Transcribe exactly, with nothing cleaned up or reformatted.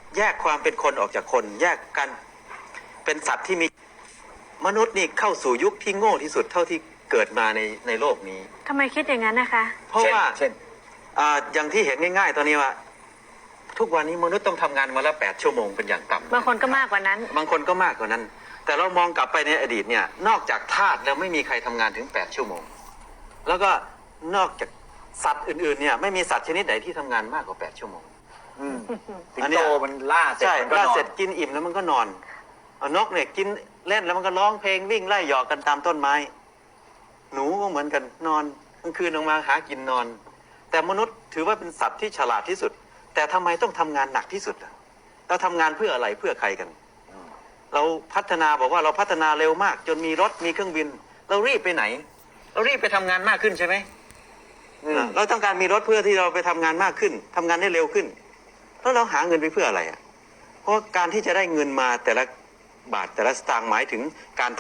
แยกความเป็นคนออกจากคน แยกกันเป็นสัตว์ที่มีมนุษย์นี่เข้าสู่ยุคที่โง่ที่สุดเท่าที่เกิดมาในในโลกนี้ทำไมคิดอย่างนั้นนะคะเพราะว่าเช่นอ่าอย่างที่เห็นง่ายๆตอนนี้ว่า ทุกวันนี้มนุษย์ต้องทำงานวันละแปดชั่วโมงเป็นอย่างต่ำบางคนก็มากกว่านั้นบางคนก็มากกว่านั้น แต่เรามองกลับไปในอดีตเนี่ยนอกจากทาสแล้วไม่มีใครทำงานถึงแปดชั่วโมงแล้วก็นอกจากสัตว์อื่นๆเนี่ยไม่มีสัตว์ชนิดไหนที่ทำงานมากกว่าแปดชั่วโมงอืมสิงอันเนี้โตยมันล่าเสร็จใช่มันก็ล่านอเสร็นจกินอิ่มแล้วมันก็นอนเอานกเนี่ยกินเล่นแล้วมันก็ร้องเพลงวิ่งไล่หยอกกันตามต้นไม้ หนูก็เหมือนกันนอนกลางคืนออกมาหากินนอน แต่มนุษย์ถือว่าเป็นสัตว์ที่ฉลาดที่สุด แต่ทำไมต้องทำงานหนักที่สุดล่ะเราทำงานเพื่ออะไรเพื่อใครกัน เราพัฒนาบอกว่าเราพัฒนาเร็วมาก จนมีรถมีเครื่องบิน เรารีบไปไหน เรารีบไปทำงานมากขึ้นใช่ไหมอืมเราต้องการมีรถเพื่อที่เราไปทำงานมากขึ้นทำงานได้เร็วขึ้น แล้วเราหาเงินไปเพื่ออะไรอ่ะเพราะการที่จะได้เงินมาแต่ละบาทแต่ละสตางค์หมายถึงการ